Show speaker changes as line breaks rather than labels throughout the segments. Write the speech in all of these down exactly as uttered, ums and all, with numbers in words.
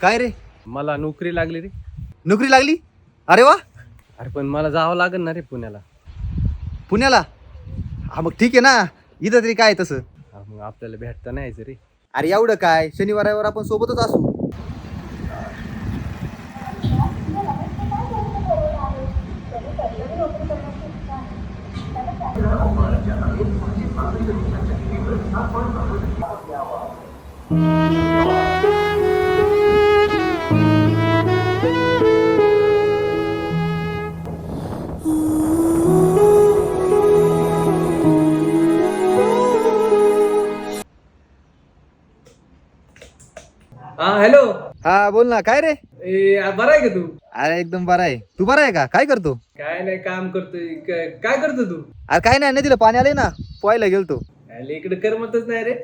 काय रे?
मला नोकरी लागली रे.
नोकरी लागली? अरे वा.
अरे पण मला जावं लागेल ना रे पुण्याला.
पुण्याला? हा मग ठीक आहे ना, इथं तरी काय तसं.
हा, मग आपल्याला भेटता नाही यायचं रे.
अरे एवढं काय, शनिवार रविवार आपण सोबतच असू.
हा हॅलो.
हा बोल ना, काय रे?
ए बरा आहे का तू?
अरे एकदम बरा आहे. तू बरा आहे का? काय करतो?
काय नाही, काम करतोय. काय काय करतो तू?
अरे काय नाही, नदीला पाणी आलंय ना, पोहायला गेलतो.
अरे इकडे करमतच नाही रे.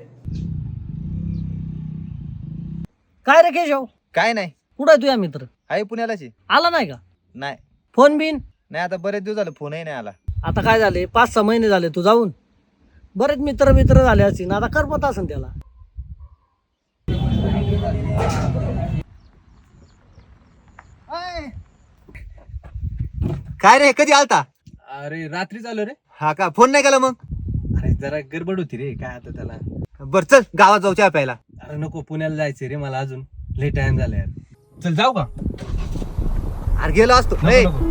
काय रे केशव,
काय नाही,
कुठं आहे तुझा मित्र?
आहे पुण्यालाच आहे.
आला नाही का?
नाही
फोन बिन?
नाही, आता बरेच दिवस झाले फोनही नाही आला.
आता काय झाले, पाच सहा महिने झाले तू जाऊन. बरेच मित्र मित्र झाले असतील, आता करमत असेल त्याला.
काय रे, कधी आलता?
अरे रात्री चालू रे.
हा का, फोन नाही केला मग?
अरे जरा गडबड होती रे, काय आता त्याला.
बर चल, गावात जाऊ चहा प्यायला.
अरे नको, पुण्याला जायचंय रे मला, अजून लेट टाइम झाला यार. चल जाऊ का?
अरे गेलो असतो.
नको,
ए,
नको.